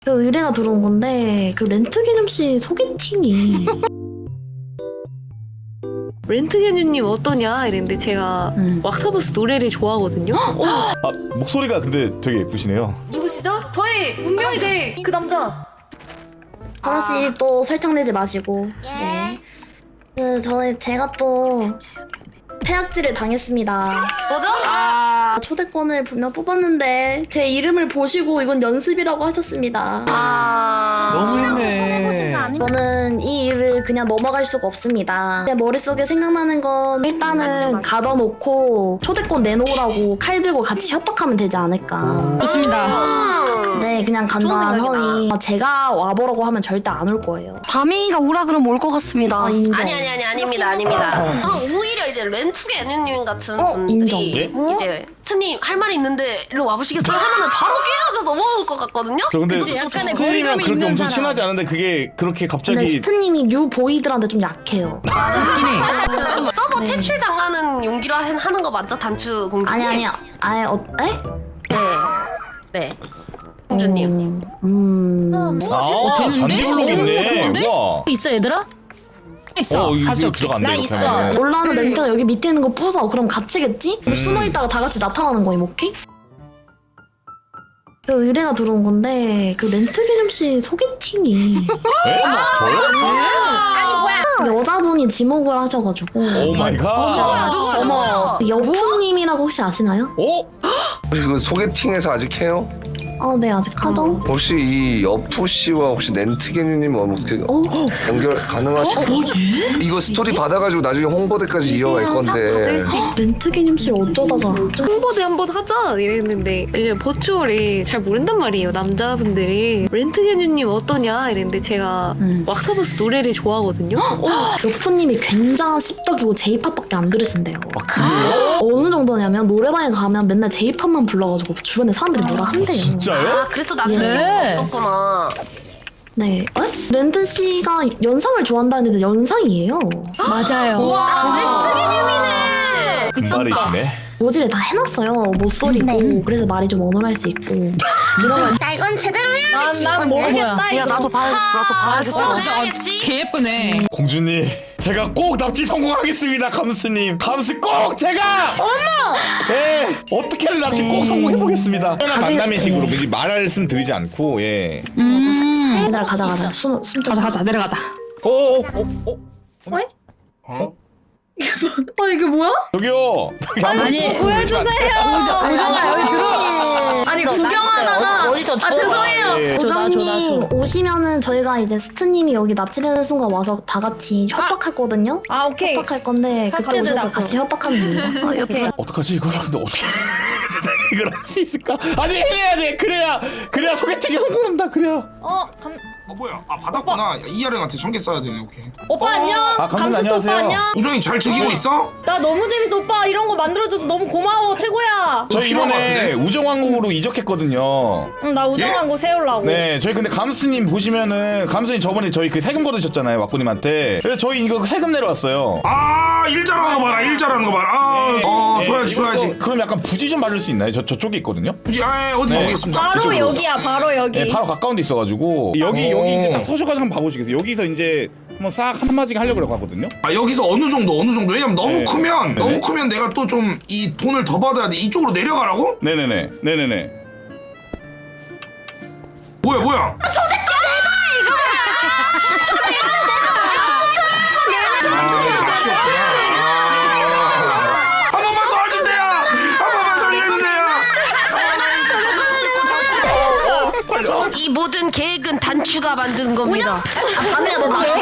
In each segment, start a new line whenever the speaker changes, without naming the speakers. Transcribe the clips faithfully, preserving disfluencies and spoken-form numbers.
그 의뢰가 들어온 건데 그 렌트 개념씨 소개팅이
렌트 개념님 어떠냐 이랬는데 제가
음.
왁타버스 노래를 좋아하거든요. 어,
아 목소리가 근데 되게 예쁘시네요.
누구시죠? 저의 운명이 될 그 남자.
저라씨 또 설탕 내지 마시고. 네. 그 저희 제가 또 폐악질을 당했습니다.
뭐죠?
아, 초대권을 분명 뽑았는데 제 이름을 보시고 이건 연습이라고 하셨습니다.
아
너무했네.
저는 이 일을 그냥 넘어갈 수가 없습니다. 제 머릿속에 생각나는 건 일단은 가둬놓고 초대권 내놓으라고 칼 들고 같이 협박하면 되지 않을까.
좋습니다.
네, 그냥 간단한
좋은
허위. 제가 와보라고 하면 절대 안 올 거예요.
밤이가 오라 그러면 올 것 같습니다.
아, 인정.
아니 아니 아니 아닙니다 아닙니다. 저는 오히려 이제 렌투게 애니님 같은
어,
분들이
인정.
예?
이제 트님 할 말이 있는데 일로 와보시겠어요? 하면은 바로 깨어서 넘어올 것 같거든요.
저 근데
그치, 약간의
스님이랑
거리감이
그렇게
있는
엄청
사람.
친하지 않은데 그게 그렇게
근데
갑자기
스트님이 뉴 보이들한테 좀 약해요.
웃긴 해.
서버
네.
퇴출 당하는 용기로 하- 하는 거 맞죠? 단추 공주.
아니 아니야. 아예 어, 에?
네. 네. 공주님.
음.
아
되는데?
잔디블록이 있네.
좋은데?
우와.
있어 얘들아? 있어.
어 이거
가져올게.
들어간대
나
이렇게
있어.
하면.
올라오는 렌트가 여기 밑에 있는 거 부숴. 그럼 갇히겠지? 그럼 숨어 있다가 다 같이 나타나는 거임, 오케이? 그 의뢰가 들어온 건데 그 렌트 개념씨 소개팅이
에? 저요?
여자분이 지목을 하셔가지고
오 마이 갓.
누구야 누구야?
여프님이라고 혹시 아시나요?
오?
혹시 그 소개팅에서 아직 해요?
어, 네 아직 하죠.
혹시 이 여프 씨와 혹시 렌트게님 뭐 그
어?
연결 가능하시죠? 이거 스토리 받아가지고 나중에 홍보대까지 이어갈 건데.
렌트 개념씨 어쩌다가
홍보대 한번 하자 이랬는데 이제 버추얼이 잘 모른단 말이에요 남자분들이. 렌트 개념님 어떠냐 이랬는데 제가
음.
왁타버스 노래를 좋아하거든요. 어,
여프님이 굉장한 씹덕이고 제이팝밖에 안 들으신대요.
아 그래요?
어느 정도냐면 노래방에 가면 맨날 제이팝만 불러가지고 주변에 사람들이 뭐라 한대요.
진짜요?
아 그래서 남자친구가
네.
없었구나.
네. 에? 렌트 씨가 연상을 좋아한다는데 연상이에요.
맞아요.
금발이시네.
모지를 다 해놨어요. 못소리고 그래서 말이 좀 어눌할 수 있고. 이러면
나 이건 제대로 해야겠지.
난난 뭐 뭐야?
야 나도 봐야겠어. 나도 봐야겠어.
진짜
개 예쁘네.
공주님 제가 꼭 납치 성공하겠습니다. 감스님 감스 꼭 제가 어머 네 어떻게든 납치 꼭 성공해보겠습니다.
다들-
만남의식으로 미리 말씀 드리지 않고 예.
음.
얘들아 가자 가자. 숨 숨.
가자 가자 내려가자.
어어어 어?
어 이게 뭐야?
저기요. 저기 한번
아니
보여주세요. 우정아 여기 들어. 아니 구경하다가.
어디서
아 죄송해요.
예.
우정님 오시면은 저희가 이제 스트님이 여기 납치되는 순간 와서 다 같이 협박할 거든요.
아 오케이.
협박할 건데 그때
사건을
오셔서
났어.
같이 협박하면 됩니다.
어, 이렇게.
어떡하지 이걸 근데 어떻게 이걸 할 수 있을까? 아니 해야 돼. 그래야 그래야 소개팅에 성공한다. 그래야.
어 감.
어 뭐야? 아 받았구나. 이하령한테 전개 써야 되네. 오케이.
오빠 안녕.
아, 감독님
감스트 오빠
안녕하세요.
안녕.
우정이 잘 즐기고 있어?
나 너무 재밌어 오빠. 이런 거 만들어줘서 너무 고마워 최고야.
저희
필요한 것
이번에
같은데?
우정왕국으로 이적했거든요.
응, 나 우정한 거 세우려고.
네, 저희 근데 감스님 보시면은 감스님 저번에 저희 그 세금 거두셨잖아요, 왁구님한테. 그래서 저희 이거 세금 내러 왔어요.
아, 일 잘하는 거 봐라. 일 잘하는 거 봐라. 아, 어,
네,
줘야지,
이거
줘야지.
그럼 약간 부지 좀 받을 수 있나요? 저 저쪽에 있거든요.
굳이 아, 어디
네.
보겠습니다.
바로
이쪽으로.
여기야 바로 여기.
네, 바로 가까운 데 있어가지고 여기
오.
여기 이제 딱 서셔가지고 한번 봐보시겠어요? 여기서 이제 한번 싹 한마디게 하려고 하거든요.
아, 여기서 어느 정도, 어느 정도. 왜냐면 너무
네.
크면,
네네.
너무 크면 내가 또 좀 이 돈을 더 받아야 돼. 이쪽으로 내려가라고?
네네네, 네네네.
뭐야, 뭐야? 한 번만 도와주세요! 한 번만 살려주세요!
이 모든 계획은 단추가 만든 겁니다.
밤이야 너 나.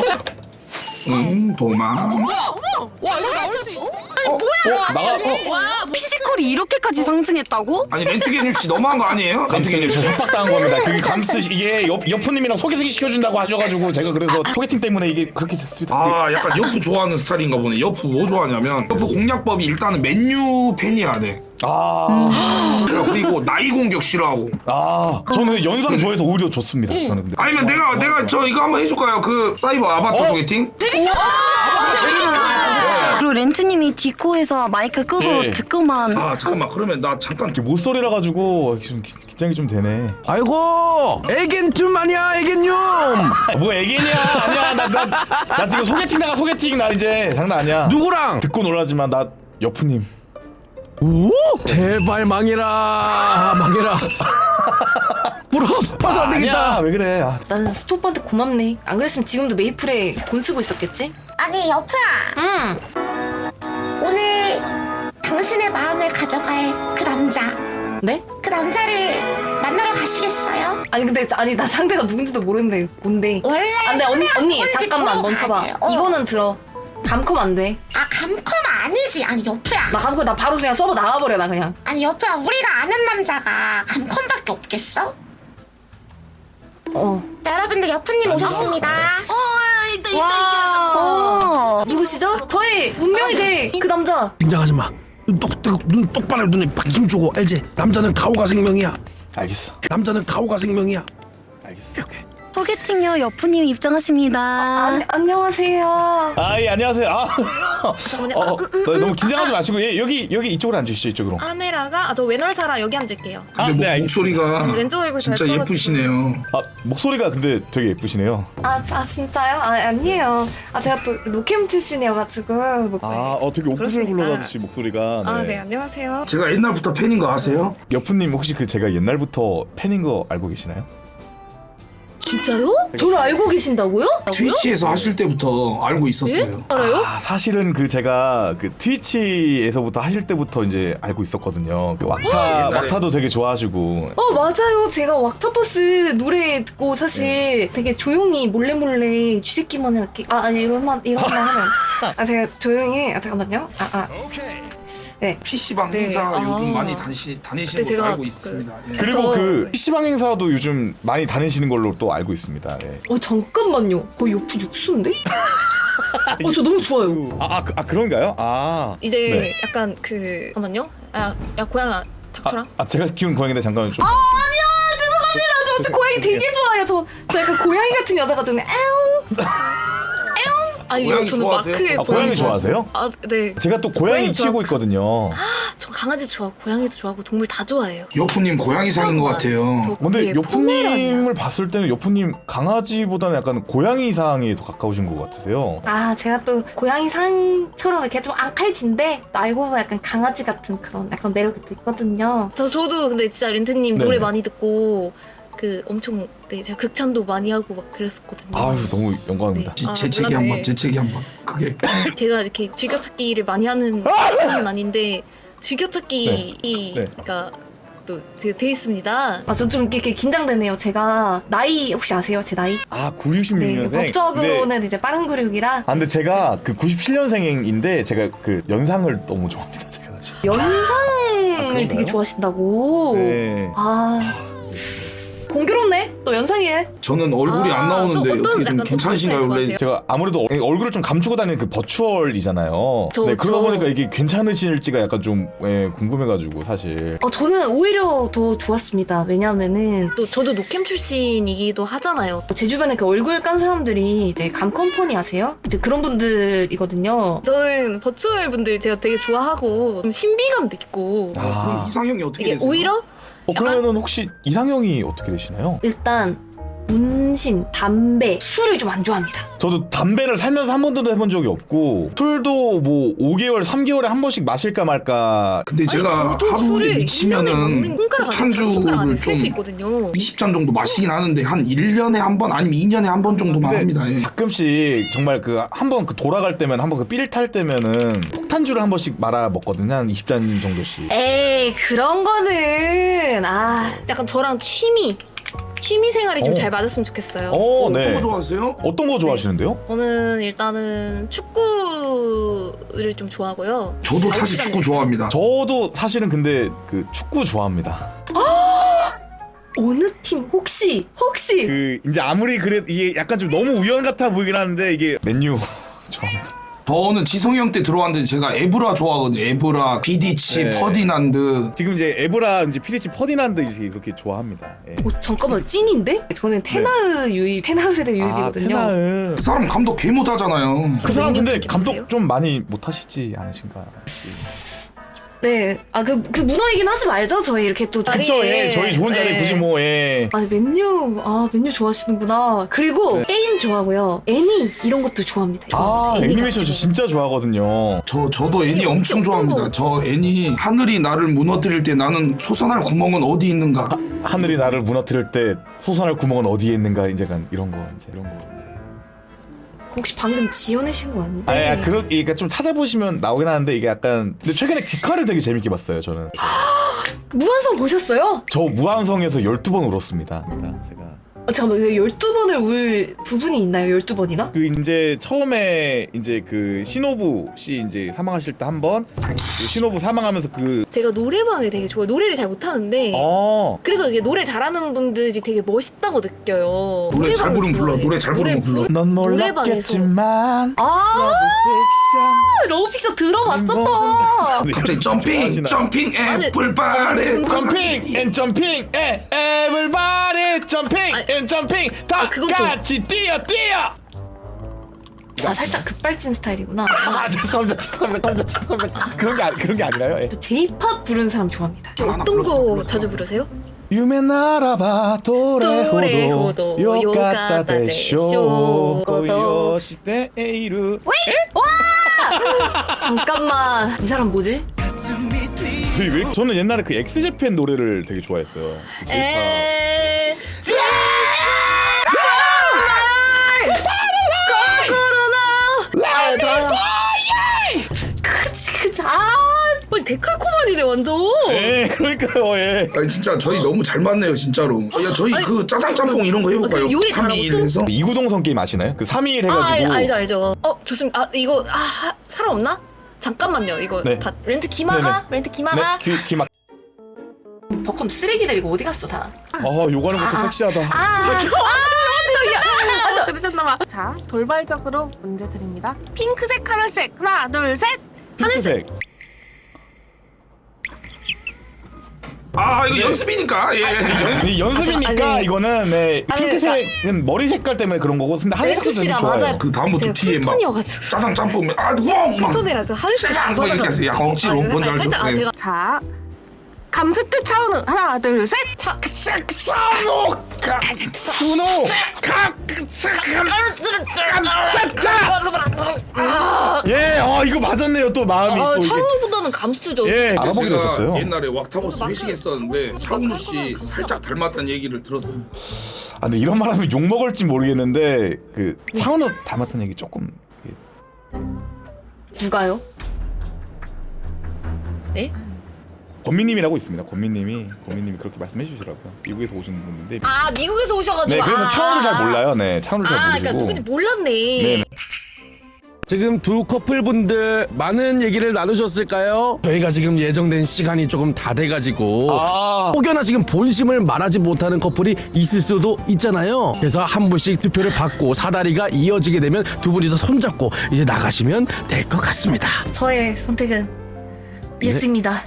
응, 도망.
와 이거 나올 수 있어?
어, 나가. 어,
와
피지컬이 이렇게까지 상승했다고?
아니, 렌트게님 씨 너무한 거 아니에요?
감스님 저 협박당한 겁니다. 그게 감스 이게 옆 여프님이랑 소개팅 시켜준다고 하셔가지고 제가 그래서 소개팅 때문에 이게 그렇게 됐습니다.
아, 약간 여프 좋아하는 스타일인가 보네. 여프 뭐 좋아하냐면 여프 공략법이 일단은 맨유 팬이어야 돼.
아,
그리고 나이 공격 싫어하고.
아, 저는 연상 좋아해서 오히려 좋습니다. 저는 근데.
아니면 내가 내가 저 이거 한번 해줄까요? 그 사이버 아바타
어?
소개팅?
그리고 그 렌트님이 디코에서 마이크 끄고
예.
듣고만.
아 잠깐만 그러면 나 잠깐
모쏠이라 가지고 좀 기- 긴장이 좀 되네.
아이고 애견춤 아니야 애견춤.
아, 뭐 애기냐? 아니야 나 나 나 지금 소개팅 나가 소개팅 나 이제 장난 아니야.
누구랑?
듣고 놀라지만 나 여프님.
오? 제발 망해라 망해라. 부럽 봐서 안 되겠다.
아니야 왜 그래? 아,
나는 스토퍼한테 고맙네. 안 그랬으면 지금도 메이플에 돈 쓰고 있었겠지?
아니 여프야.
응.
오늘 당신의 마음을 가져갈 그 남자.
네?
그 남자를 만나러 가시겠어요?
아니 근데 아니 나 상대가 누군지도 모르는데 뭔데?
원래
아, 근데 언니 언니
꼴찌
잠깐만
보러
멈춰봐.
가야 돼요. 어.
이거는 들어. 감컴 안 돼.
아 감컴 아니지. 아니 여프야.
나 감컴 나 바로 그냥 서버 나가버려 나 그냥.
아니 여프야 우리가 아는 남자가 감컴밖에 없겠어?
어.
자, 여러분들 여프님 오셨습니다.
어 이따 이따
와.
어.
누구시죠? 저의 운명이 될 그 남자.
긴장하지 마. 눈 똑, 뜨거, 눈 똑바로 눈에 팍 힘주고 알지? 남자는 가오가 생명이야.
알겠어.
남자는 가오가 생명이야.
알겠어.
이렇게.
소개팅요 여프님 입장하십니다.
안, 안녕하세요.
아이 안녕하세요. 아, 어, 어, 너무 긴장하지 마시고 예, 여기 여기 이쪽으로 앉으시죠 이쪽으로.
카메라가 아, 저 외널사라 여기 앉을게요.
아,
근데 뭐
네, 알겠습니다.
목소리가
왼쪽 얼굴 잘
진짜
떨어지고.
예쁘시네요.
아 목소리가 근데 되게 예쁘시네요.
아, 아 진짜요? 아 아니에요. 아 제가 또 노캠 출신이어가지고. 뭐,
아, 어 되게 오프를
그렇습니까?
불러가듯이 목소리가.
아, 네, 안녕하세요.
제가 옛날부터 팬인 거 아세요?
여프님 혹시 그 제가 옛날부터 팬인 거 알고 계시나요?
진짜요? 저를 알고 계신다고요?
트위치에서 하실 때부터 알고 있었어요.
알아요?
아 사실은 그 제가 그 트위치에서부터 하실 때부터 이제 알고 있었거든요. 그 왁타
옛날에.
왁타도 되게 좋아하시고.
어 맞아요. 제가 왁타버스 노래 듣고 사실 되게 조용히 몰래 몰래 쥐새끼만 이렇게 아 아니 이런 말 이런 말 하면 아 제가 조용히 아 잠깐만요. 아 아. 네.
피씨방
네,
행사
아.
요즘 많이 다니시, 다니시는
근데
걸로
제가
알고
그-
있습니다. 예.
그리고
저-
그 피씨방 행사도 요즘 많이 다니시는 걸로 또 알고 있습니다. 예.
어 잠깐만요. 거의 옆에 육수인데? 어 저 너무 좋아요.
아, 아, 그- 아 그런가요? 아
이제
네.
약간 그 잠깐만요. 아, 야 고양아 닥쳐라.
아 제가 키운 고양인데 잠깐만 좀.
아 아니야 죄송합니다. 저 고양이 되게 좋아해요. 저, 저 약간 고양이 같은 여자가 좀 에옹
아니
고양이
저는
좋아하세요?
마크의
아, 고양이 좋아하세요?
아, 네.
제가 또 고양이
고양이 좋아.
키우고 있거든요.
저 강아지도 좋아하고 고양이도 좋아하고 동물 다 좋아해요.
여프님 고양이상인 것 같아요.
저
근데
그게
요프님을
포메라니아.
봤을 때는 요프님 강아지보다는 약간 고양이상에 더 가까우신 것 같으세요.
아 제가 또 고양이 상처럼 이렇게 좀 앙칼진데 또 알고 보면 약간 강아지 같은 그런 약간 매력이 또 있거든요.
저 저도 근데 진짜 렌트님
네네.
노래 많이 듣고 그 엄청 네 제가 극찬도 많이 하고 막 그랬었거든요.
아유 너무 영광입니다.
네. 아,
재채기
몰랐네.
한번 재채기 한번 크게.
제가 이렇게 즐겨찾기를 많이 하는 편은 아닌데 즐겨찾기가 또 돼 있습니다.
아 저 좀 이렇게 긴장되네요. 제가 나이 혹시 아세요? 제 나이?
아 구십육
네
년생.
법적으로는 이제 빠른 구륙이라
아 근데 제가 그 구십칠 년생인데 제가 그 연상을 너무 좋아합니다. 제가 사실.
연상을
그런가요?
되게 좋아하시다고.
네.
아 공교롭네. 또 연상이네.
저는 얼굴이
아,
안 나오는데
또 어떤
어떻게 좀
약간
괜찮으신가요
어떤
원래?
스타일
제가 아무래도 어- 얼굴을 좀 감추고 다니는 그 버추얼이잖아요.
저-
네 그러다
저-
보니까 이게 괜찮으실지가 약간 좀 예, 궁금해가지고 사실.
어 저는 오히려 더 좋았습니다. 왜냐하면은
또 저도 노캠 출신이기도 하잖아요.
제 주변에 그 얼굴 깐 사람들이 이제 감컴퍼니 아세요? 이제 그런 분들이거든요.
저는 버추얼 분들 제가 되게 좋아하고 좀 신비감도 있고
그럼
아.
이상형이 어떻게
이게
되세요?
오히려
어 그러면은 혹시 이상형이 어떻게 되시나요?
일단 문신, 담배, 술을 좀 안 좋아합니다.
저도 담배를 살면서 한 번도 해본 적이 없고 술도 뭐 오 개월, 삼 개월에 한 번씩 마실까 말까.
근데 제가
저도
하루에
술을
미치면은
손가락 안에
폭탄주를
쓸수
좀
있거든요.
이십 잔 정도 마시긴 하는데 한 일 년에 한 번 아니면 이 년에 한 번 정도만 합니다. 예.
가끔씩 정말 그 한 번 그 돌아갈 때면 한 번 그 삘 탈 때면은 폭탄주를 한 번씩 말아 먹거든요. 한 이십 잔 정도씩.
에이 그런 거는 아
약간 저랑 취미 취미 생활이 좀
어.
잘 맞았으면 좋겠어요.
어,
어떤
네.
거 좋아하세요?
어떤 거 좋아하시는데요?
저는 일단은 축구를 좀 좋아하고요.
저도
아홉
사실
시간에
축구 좋아합니다.
저도 사실은 근데 그 축구 좋아합니다.
어느 팀 혹시 혹시
그 이제 아무리 그래 이게 약간 좀 너무 우연 같아 보이긴 하는데 이게 맨유 좋아합니다.
저는 지성이 형 때 들어왔는데 제가 에브라 좋아하거든요. 에브라, 비디치,
네.
퍼디난드.
지금 이제 에브라 이제 피디치 퍼디난드 이제 그렇게 좋아합니다. 예.
오, 잠깐만 찐인데? 저는 테나으 유입, 테나으 세대
아
유입이거든요.
테나은
그 사람 감독 개 못하잖아요.
그 사람 근데
생각해
감독
보세요.
좀 많이 못하시지 않으신가?
네, 아 그 그 문어 얘기는 하지 말죠. 저희 이렇게 또
그쵸,
자리에.
예, 저희 좋은 자리에
네.
굳이 뭐, 예.
아니 맨유 아 맨유 좋아하시는구나. 그리고 게임 좋아하고요. 애니 이런 것도 좋아합니다.
아,
애니
애니메이션 저
같이
진짜 좋아하거든요.
저 저도 애니 엄청
어떤
좋아합니다.
거?
저 애니 하늘이 나를 무너뜨릴 때 나는 솟아날 구멍은 어디 있는가?
하늘이 나를 무너뜨릴 때 솟아날 구멍은 어디에 있는가 이제 간 이런 거 이제 이런 거 이제.
혹시 방금 지어내신 거 아니에요?
아, 야, 그러, 그러니까 좀 찾아보시면 나오긴 하는데 이게 약간 근데 최근에 귀칼을 되게 재밌게 봤어요 저는.
무한성 보셨어요?
저 무한성에서 열두 번 울었습니다. 그러니까 제가
어, 잠깐만 열두 번을 울 부분이 있나요? 열두 번이나?
그 이제 처음에 이제 그 신호부 씨 이제 사망하실 때 한 번, 그 신호부 사망하면서 그
제가 노래방을 되게 좋아해요. 노래를 잘 못하는데
어.
그래서 이게 노래 잘하는 분들이 되게 멋있다고 느껴요.
노래 잘
노래방을
부르면 불러.
좋아해요.
노래 잘 부르면 불러.
넌
노래방에서.
몰랐겠지만
아 러브픽션 들어봤잖아.
갑자기 점핑, 점핑, 애플바레.
점핑 앤 점핑 에 에블바리 점핑
아니,
앤 점핑 다
아, 그건 좀-
같이 뛰어 뛰어.
아 살짝 급발진 스타일이구나.
아 죄송합니다 죄송합니다 죄송합니다 죄송합니다. 그런 게 아니- 그런 게 아니라요. 예.
저 제이팝 부르는 사람 좋아합니다.
어떤 거 자주 부르세요?
유메 나라바 도레호도
도레호도
요카타
요카타
데쇼
데쇼
고요시테 에이루.
잠깐만 이 사람 뭐지?
왜, 왜? 저는 옛날에 그 엑스제팬 노래를 되게 좋아했어요. 제이팝.
에
아유 저 그치 그치 아
어, 데칼코마니네 완전.
예, 그러니까요, 예.
아니 진짜 저희 너무 잘 맞네요 진짜로. 야 저희 그 짜장 짬뽕 이런 거 해볼까요?
어, 요리
삼 이 일 해서.
이구동성 게임 아시나요? 그 삼 이 일
아
해가지고.
알, 알죠 알죠. 어 좋습니다. 아 이거 아 하- 사람 없나? 잠깐만요. 이거
네.
다 렌트 기마가 렌트
네,
기마가.
귀, 귀 막.
버컴 쓰레기들 이거 어디 갔어 다?
아, 요가는 것도 섹시하다.
들으셨나봐. 자, 돌발적으로 문제 드립니다. 핑크색, 하늘색. 하나, 둘, 셋.
하늘색.
아 이거 연습이니까. 예.
이 연습이니까
아니,
이거는 네,
아니,
핑크색은 머리 색깔 때문에 그런 거고, 근데 하늘색도
렌트
되게
씨가
좋아요.
맞아요.
그 다음부터
제가
뒤에 막
쿨톤이어가지고
짜장 짬뽕 아뻥막
쿨톤이라서 하늘색
짜장 뭐 이렇게 했어요. 약간 억지로
아,
뭔지 알죠?
살짝 아
네.
제가
자, 감스트 차은우. 하나, 둘, 셋.
찬호, 준호, 예, 어 이거 맞았네요. 또 마음이
아
또 이게.
차은우보다는 감수죠.
예, 알아보기로
제가
했었어요.
옛날에 왁타버스 회식했었는데 차은우 씨 살짝 닮았다는 얘기를 들었어요.
아, 근데 이런 말하면 욕 먹을지 모르겠는데 그 차은우 닮았다는 얘기 조금.
누가요?
네?
권미님이라고 있습니다. 권미님이 권미님이 그렇게 말씀해 주시더라고요. 미국에서 오신 분인데.
아 미국에서 오셔가지고.
네, 그래서
아,
차은우를 잘 몰라요. 네, 차은우를 잘
아
모르시고.
그러니까 누군지 몰랐네.
네.
지금 두 커플분들 많은 얘기를 나누셨을까요? 저희가 지금 예정된 시간이 조금 다 돼가지고
아,
혹여나 지금 본심을 말하지 못하는 커플이 있을 수도 있잖아요. 그래서 한 분씩 투표를 받고 사다리가 이어지게 되면 두 분이서 손잡고 이제 나가시면 될 것 같습니다.
저의 선택은 예스입니다.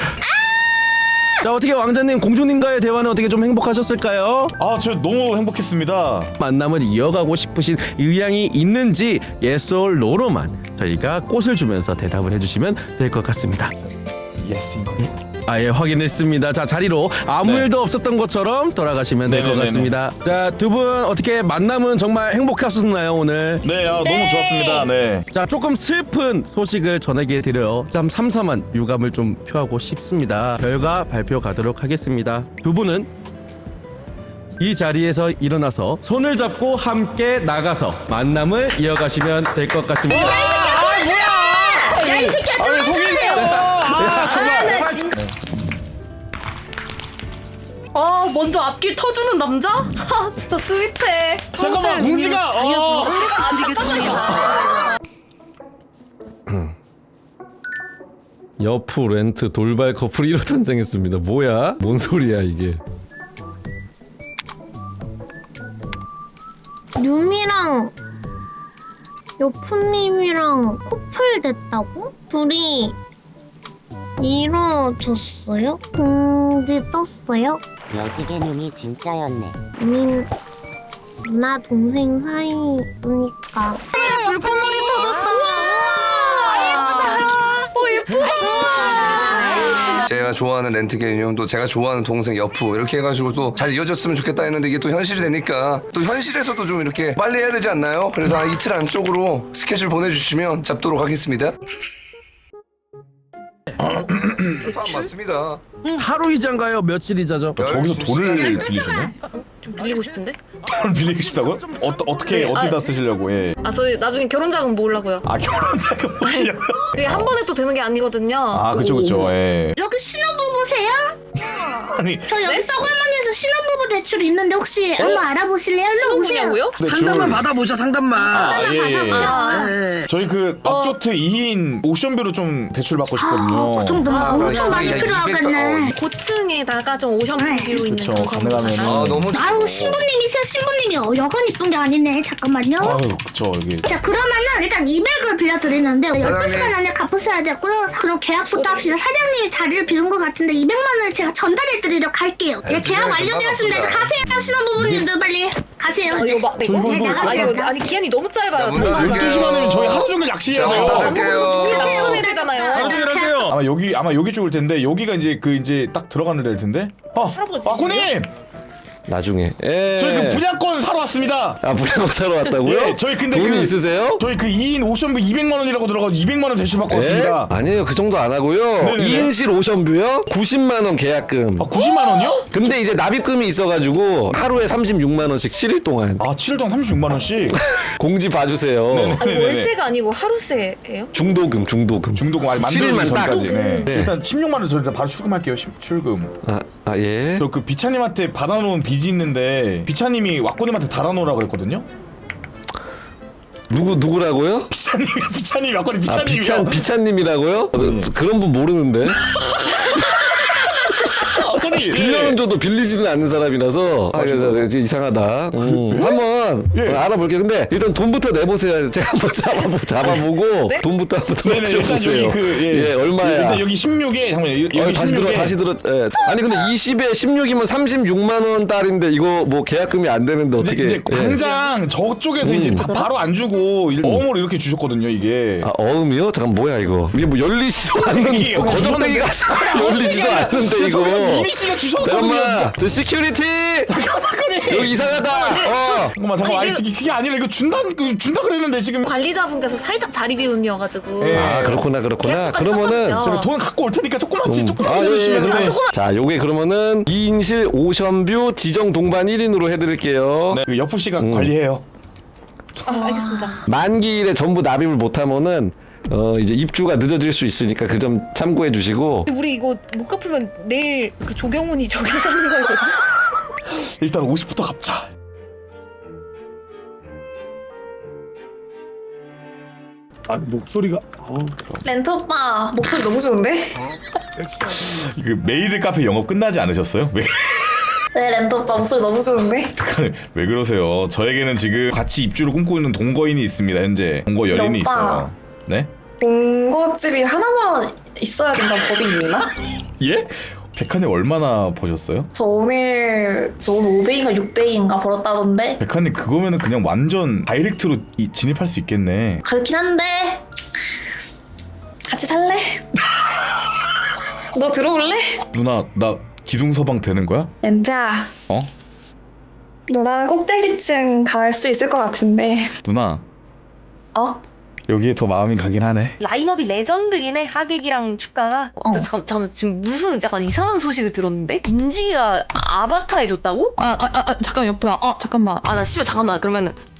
자, 어떻게 왕자님 공주님과의 대화는 어떻게 좀 행복하셨을까요?
아, 저 너무 행복했습니다.
만남을 이어가고 싶으신 의향이 있는지 yes or no로만 저희가 꽃을 주면서 대답을 해주시면 될 것 같습니다.
예스.
아예 확인했습니다. 자, 자리로 아무
네.
일도 없었던 것처럼 돌아가시면 될 것
네네네네.
같습니다. 자, 두 분 어떻게 만남은 정말 행복하셨나요 오늘?
네, 아, 너무 좋았습니다. 네.
자, 조금 슬픈 소식을 전하게 드려요. 참 삼삼한 유감을 좀 표하고 싶습니다. 결과 발표 가도록 하겠습니다. 두 분은 이 자리에서 일어나서 손을 잡고 함께 나가서 만남을 이어가시면 될 것 같습니다.
야, 이 새끼야, 좀 속이세요. 아, 정말.
아 먼저 앞길 터주는 남자? 하 진짜 스윗해.
잠깐만, 공지가. 어.
여프 렌트 돌발 커플이 이로 탄생했습니다. 뭐야? 뭔 소리야 이게?
유미랑
여푸님이랑 커플 됐다고? 둘이 이루어졌어요? 공지 떴어요?
여지개님이 진짜였네.
아니 누나 동생 사이니까.
불꽃놀이 터졌어.
제가 좋아하는 렌트 개념, 또 제가 좋아하는 동생 여프 이렇게 해가지고 또 잘 이어졌으면 좋겠다 했는데 이게 또 현실이 되니까 또 현실에서도 좀 이렇게 빨리 해야 되지 않나요? 그래서 한 이틀 안쪽으로 스케줄 보내주시면 잡도록 하겠습니다. 맞습니다.
하루 이자인가요? 며칠 이자죠?
저기서 돈을 빌리시네?
좀 빌리고 싶은데?
돈을 빌리고 싶다고요? 어, 어떻게
네,
어디다
아,
쓰시려고? 예.
아, 저 나중에 결혼 자금 모으려고요.
아 결혼 자금 모시려고?
그게 한 번에 또 되는 게 아니거든요.
아 그쵸 그쵸. 예.
여기 신혼부부세요?
아니
저 여기 썩을만해서 신혼부부 대출 있는데 혹시 한번 알아보실래요? 일로 오세요.
신혼부냐고요?
상담만
받아보셔 상담만.
아, 예, 예, 예.
아,
저희 그 업조트 이 인 옵션비로 좀 대출 받고 싶거든요.
그 정도면
아,
엄청 많이
야,
필요하겠네.
이게
고층에다가 좀 오션뷰 있는
그쵸,
그런
가능하면은.
아 너무
아유 신부님이세요 신부님이 어, 여간 이쁜 게 아니네. 잠깐만요.
아유 그쵸 여기.
자 그러면은 일단 이백을 빌려드리는데 열두 시간 안에 갚으셔야 되고요. 그럼 계약부터 합시다. 사장님이 자리를 비운 것 같은데 이백만 원을 제가 전달해드리러 갈게요. 네, 계약 완료되었습니다. 이제 가세요 신혼부부님들 빨리 가세요.
아,
이제.
이거 막
저 이거
네,
이거
나가세요.
아니, 이거, 아니 기한이 너무 짧아요.
야, 문
저희가.
닫을게요.
열두 시간이면 저희 하루 종일 낚시해야
자,
돼요.
닫을게요.
우리 낚시해야 되잖아요.
아마 여기 아마 여기 쪽일 텐데 여기가 이제 그 이제 딱 들어가는 데일 텐데. 아,
할아버지
아코님
나중에. 예.
저희 그 분양권 사러 왔습니다.
아 분양권 사러 왔다고요?
예, 저희 근데
돈이
그-
있으세요?
저희 그 이 인 옵션비 이백만 원이라고 들어가서 이백만 원 대출 받고 왔습니다.
예? 아니에요 그 정도 안 하고요.
네네네.
이 인실 오션뷰요? 구십만 원 계약금.
아 구십만 원이요?
근데 이제 납입금이 있어가지고 하루에 삼십육만 원씩 칠 일 동안
아 칠 일 동안 삼십육만 원씩.
공지 봐주세요.
네네.
아니 월세가 아니고 하루세예요?
중도금 중도금.
중도금 아니
칠 일만
만들어지기
딱.
전까지. 네.
네.
일단 십육만 원 저 일단 바로 출금할게요. 시- 출금.
아, 아 예.
저 그 비차님한테 받아놓은 빚이 있는데 비차님이 왁구님한테 달아놓으라 그랬거든요.
누구 누구라고요?
비차님이 비차님이 왁구님
아
비차님이요.
비찬 비찬님이라고요? 어, 그런 분 모르는데.
왁구님
빌려는 줘도 빌리지는 않는 사람이라서 아, 그래서 이제 이상하다. 음, 한번
예.
어, 알아볼게요. 근데 일단 돈부터 내보세요. 제가 한번 잡아보, 잡아보고
네?
돈부터 한번
네네 일단
들어보세요.
여기 그 예,
예, 얼마야?
일단 여기 십육에 잠깐만요. 여기
어, 다시 들어
십육에
다시 들어. 예. 아니 근데 이십에 십육이면 삼십육만 원 달인데 이거 뭐 계약금이 안 되는데
이제,
어떻게?
이제
예.
당장 저쪽에서
음.
이제 바, 바로 안 주고 일- 어음으로 이렇게 주셨거든요 이게.
아 어음이요? 잠깐 뭐야 이거? 이게 뭐 열리지도 않는
이게
뭐 거적대기가 열리지도 않는데 이거.
이미 씨가 주셨거든요 진짜.
잠깐만, 저 시큐리티 여기 이상하다. 어.
잠깐만 잠깐만 아니,
아니,
아니 그게 아니라 이거 준다 그 준다 그랬는데 지금.
관리자분께서 살짝 자리 비움이어가지고
예.
아 그렇구나 그렇구나.
계약서까지
그러면은
썼거든요.
제가 돈 갖고 올 테니까 조금만치
음.
조금만
아, 예, 예,
해주시면.
그러면 자, 요게 그러면은 이 인실 오션뷰 지정 동반 일 인으로 해드릴게요.
네, 그 여프 씨가
음.
관리해요.
아, 알겠습니다.
만기일에 전부 납입을 못하면은 어 이제 입주가 늦어질 수 있으니까 그 점 참고해 주시고.
우리 이거 못 갚으면 내일 그 조경훈이 저기서 사는 거거든.
일단 오십부터 갚자. 아 목소리가 어우,
렌트 오빠 목소리 너무 좋은데?
그 메이드 카페 영업 끝나지 않으셨어요? 왜,
네 렌트 오빠 목소리 너무 좋은데?
왜 그러세요? 저에게는 지금 같이 입주를 꿈꾸고 있는 동거인이 있습니다. 현재 동거 연인이
오빠.
있어요. 네?
본거집이 하나만 있어야 된다는 법이 있나?
예? 백한님 얼마나 버셨어요?
저 오늘 저 오늘 오백인가 육백인가 벌었다던데
백한님 그거면은 그냥 완전 다이렉트로 이, 진입할 수 있겠네.
그렇긴 한데 같이 살래? 너 들어올래?
누나 나 기둥서방 되는 거야?
렌트야
어?
너랑 꼭대기층 갈 수 있을 것 같은데
누나
어?
여기에 더 마음이 가긴 하네.
라인업이 레전드긴 해. 하객이랑 축가가. 어. 잠, 잠깐만 지금 무슨 약간 이상한 소식을 들었는데? 인지가 아바타 해줬다고?
아, 아, 아, 잠깐 옆에. 아, 잠깐만.
아 나 씨발 잠깐만 그러면은